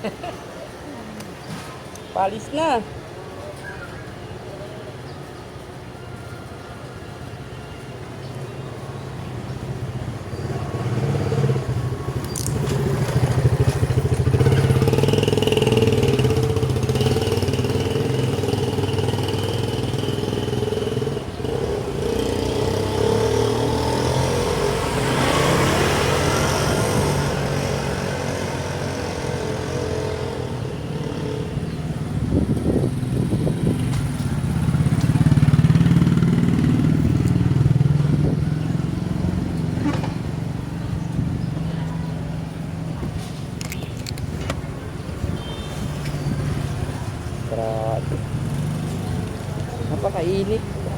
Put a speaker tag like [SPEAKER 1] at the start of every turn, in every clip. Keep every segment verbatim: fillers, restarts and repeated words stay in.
[SPEAKER 1] Palis na. Grabe. Napakainit.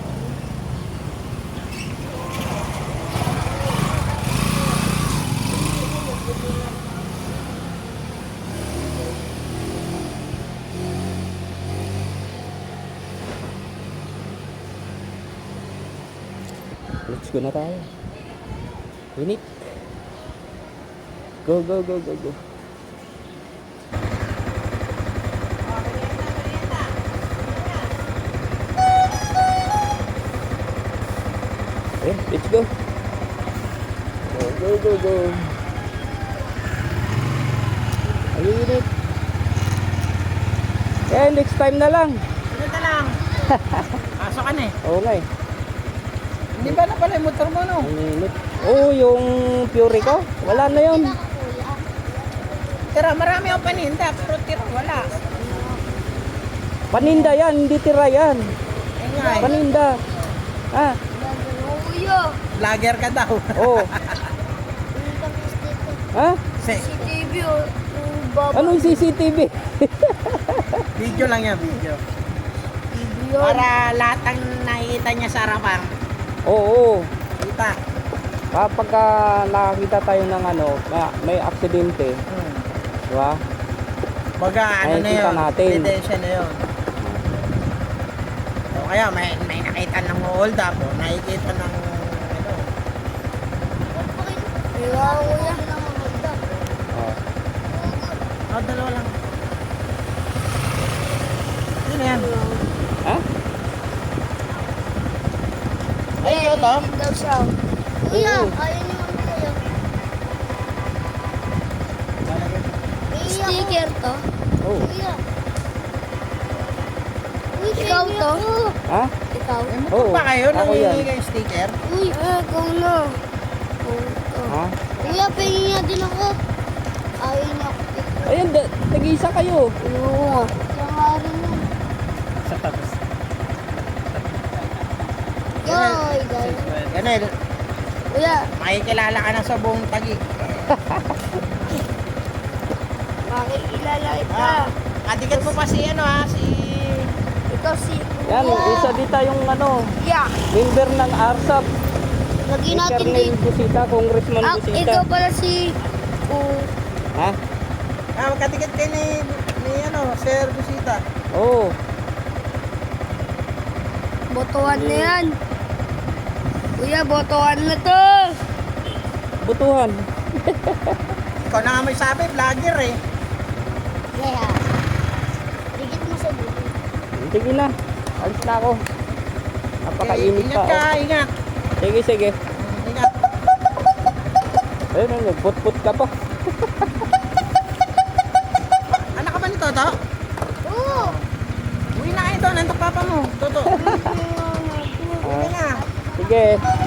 [SPEAKER 1] Let's go na tayo. Init. Go, go, go, go, go. Okay, let's go. Go, go, go, go. Ayunit. Eh, next time na lang.
[SPEAKER 2] Sunod na lang. Pasok ka na eh.
[SPEAKER 1] Oo nga eh.
[SPEAKER 2] Hindi ba na pala yung motor mo no?
[SPEAKER 1] Ang init. Oo, yung Fury ko. Wala na yun.
[SPEAKER 2] Tira, marami akong paninda, pero tira, wala.
[SPEAKER 1] Paninda yan, hindi tira yan.
[SPEAKER 2] Ayun nga eh.
[SPEAKER 1] Paninda. Ah,
[SPEAKER 2] Vlogger ka daw.
[SPEAKER 1] oo. Ha?
[SPEAKER 2] Se,
[SPEAKER 3] C C T V o yung baba.
[SPEAKER 1] Anong C C T V?
[SPEAKER 2] video lang yan, video.
[SPEAKER 3] Video.
[SPEAKER 2] Para lahat ang nakikita niya sa harapan,
[SPEAKER 1] Oo.
[SPEAKER 2] kita.
[SPEAKER 1] Kapag ah, nakakita tayo ng ano, may, may aksidente,
[SPEAKER 2] Hmm.
[SPEAKER 1] di ba?
[SPEAKER 2] Baga, ano na
[SPEAKER 1] Nakikita
[SPEAKER 2] yun,
[SPEAKER 1] natin.
[SPEAKER 2] ebidensya na yun. O kaya, may, may nakita ng hold up, o nakikita ng, ano,
[SPEAKER 3] Kaya kuya.
[SPEAKER 1] Oh.
[SPEAKER 2] oh, dalawa lang. Ano yan?
[SPEAKER 1] Ha?
[SPEAKER 2] Ay, ito to?
[SPEAKER 3] Hindi daw siya. Kuya,
[SPEAKER 1] Oo.
[SPEAKER 3] ayaw niyo kami kuya. Sticker to.
[SPEAKER 1] Oh.
[SPEAKER 3] Kuya. Uy, ikaw to?
[SPEAKER 1] Ha?
[SPEAKER 3] Ikaw?
[SPEAKER 2] Eh,
[SPEAKER 1] Oo,
[SPEAKER 2] motor pa kayo,
[SPEAKER 1] ako yan.
[SPEAKER 2] nangingi kayo sticker?
[SPEAKER 3] Uy, ah, ikaw na. Oh, ito.
[SPEAKER 1] Ha?
[SPEAKER 3] Kuya, pahingin niya din ako. Ayaw niya ako.
[SPEAKER 1] Ayun, da- tag-isa kayo.
[SPEAKER 3] Oo. Kaya nga rin yun.
[SPEAKER 2] Sa tapos.
[SPEAKER 3] Yoy, guys.
[SPEAKER 2] Ganun,
[SPEAKER 3] Kuya,
[SPEAKER 2] makikilala ka na sa buong Taguig.
[SPEAKER 3] makikilala kita.
[SPEAKER 2] Ah, kadikat mo pa si ano ha, si...
[SPEAKER 3] Ikaw si
[SPEAKER 1] Yan,
[SPEAKER 3] Kuya.
[SPEAKER 1] isa di tayong ano,
[SPEAKER 3] Yeah.
[SPEAKER 1] member ng A R S A P.
[SPEAKER 3] Lagi
[SPEAKER 1] Si
[SPEAKER 3] natin
[SPEAKER 1] Colonel
[SPEAKER 3] din.
[SPEAKER 1] Busita, Congressman
[SPEAKER 3] Ah,
[SPEAKER 1] Busita.
[SPEAKER 3] ikaw pala si... Uh,
[SPEAKER 1] Ha?
[SPEAKER 2] Ah, kadikat kayo ni, ni ano, Sir Busita.
[SPEAKER 1] Oo.
[SPEAKER 3] botohan na yan. Kuya, botohan na to.
[SPEAKER 1] Butuhan.
[SPEAKER 2] Ikaw na nga may sabi, vlogger eh.
[SPEAKER 3] Yeah. Digit mo sa buto.
[SPEAKER 1] Sige na. Alis na ako. Napakainit
[SPEAKER 2] ingat
[SPEAKER 1] pa.
[SPEAKER 2] ka,
[SPEAKER 1] Oh.
[SPEAKER 2] ingat.
[SPEAKER 1] Sige, sige.
[SPEAKER 2] Ingat.
[SPEAKER 1] Ayun, ayun, nagput-put ka pa.
[SPEAKER 2] Anak ka ba ni Toto?
[SPEAKER 3] Oo.
[SPEAKER 2] Uwi na kayo doon, nantok papa mo. Toto. Uwi
[SPEAKER 1] Ah,
[SPEAKER 2] na.
[SPEAKER 1] sige.